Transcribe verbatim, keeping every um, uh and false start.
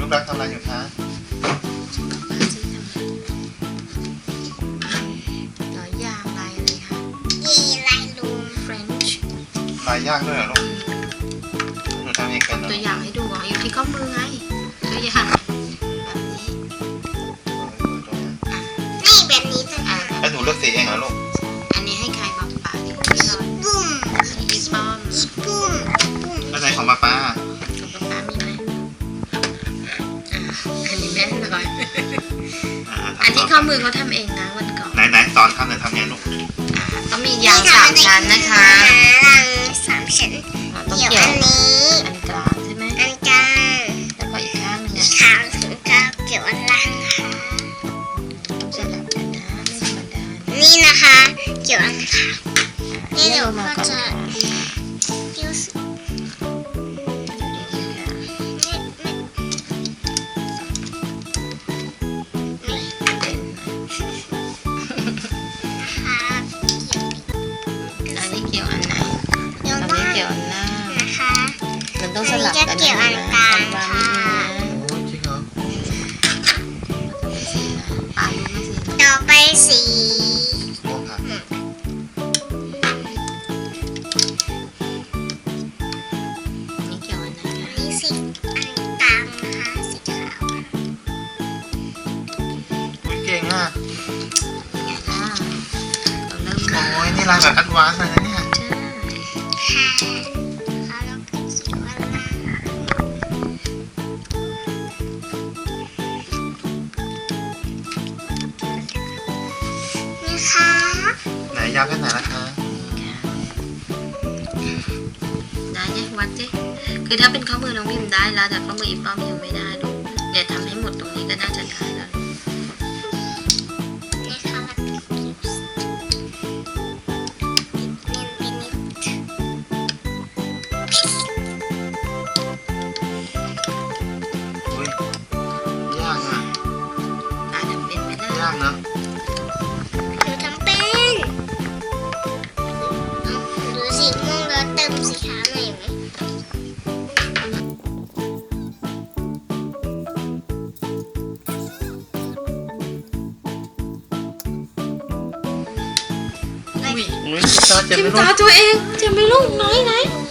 ลูกรักทำอะไรอยู่คะหลายอย่างลายอะไรคะยีลายลูม French ลายยากด้วยเหรอลูกหนูทำเองกันเหรอตัวอย่างให้ดูอ่ะอยู่ที่ข้อมือไงตัวอย่างแบบนี้นี่แบบนี้จะอ่ะแล้วหนูเลือกสีเองเหรอลูกอันนี้ให้ใครบอกป๋าที่พี่นอนบุ้มอีป้อมอีบุ้มบุ้มแล้วไหนของป้าป้ากับป๋ามีไหมอ่ะอันนี้แม่นอนอ่าอันทำนี้ข้อมือเขาทำเองนะวันก่อนไหนไหนสอนทำหน่อยทำไงลูกอ่ะต้องมียางสามชั้นนะคะยางสามชั้นอ่ะต้องเกี่ยวเกี่ยวอันนี้อันกลางใช่ไหมอันกลางแล้วก็อีกข้างหนึงอีอ่ะกขาวถึงก็เกี่ยวอันล่างนะคะสลับกันนะไม่ธรรมดานะนี่นะคะ เกี่ยวอันขาวนี่เดี๋ยวมาก็ก่อนจะนะเกี่ยวสุดอันนี้เกี่ยวอันไหนเดี๋ยวอันล่านี้งเกี่ยวอันล่างนะคะมันต้องสลับกันเกี่ยวอันกลางวางค่ะโอ้ยจริงเหรอนิดนึงนะปาดูไม่สิต่อไปสีม่วงค่ะนี่เกี่ยวอันไหนคะนี่สีอันกลางนะคะสีขาวอุ๊ยเก่งอ่ะไงล่ะเราเริ่มโอ้ยนี่ลายแบบแอดวานซ์เลยนะเนี่ยใช่ค่ะแล้วก็เขียวอันล่างนี่ค่ะไหนยาวแค่ไหนละคะได้เนี่ยวัดสิคือถ้าเป็นข้อมือน้องพิมได้แล้วแต่ข้อมืออีป้อมยังไม่ได้ลูกเดี๋ยวทำให้หมดตรงนี้ก็น่าจะได้แล้วนี่ค่ะแล้วก็เขียวเนียนไปนิดอุ้ยยากอ่ะตาทำเป็นไหมล่ะยากนะหนูทำเป็นเอาดูสีม่วงแล้วเติมสีขาวหน่อยไหมอุ้ยอุ้ยตาเจ็บจิ้ไหมมลูกตาตัวเองเจ็บไหมลูกน้อยไหน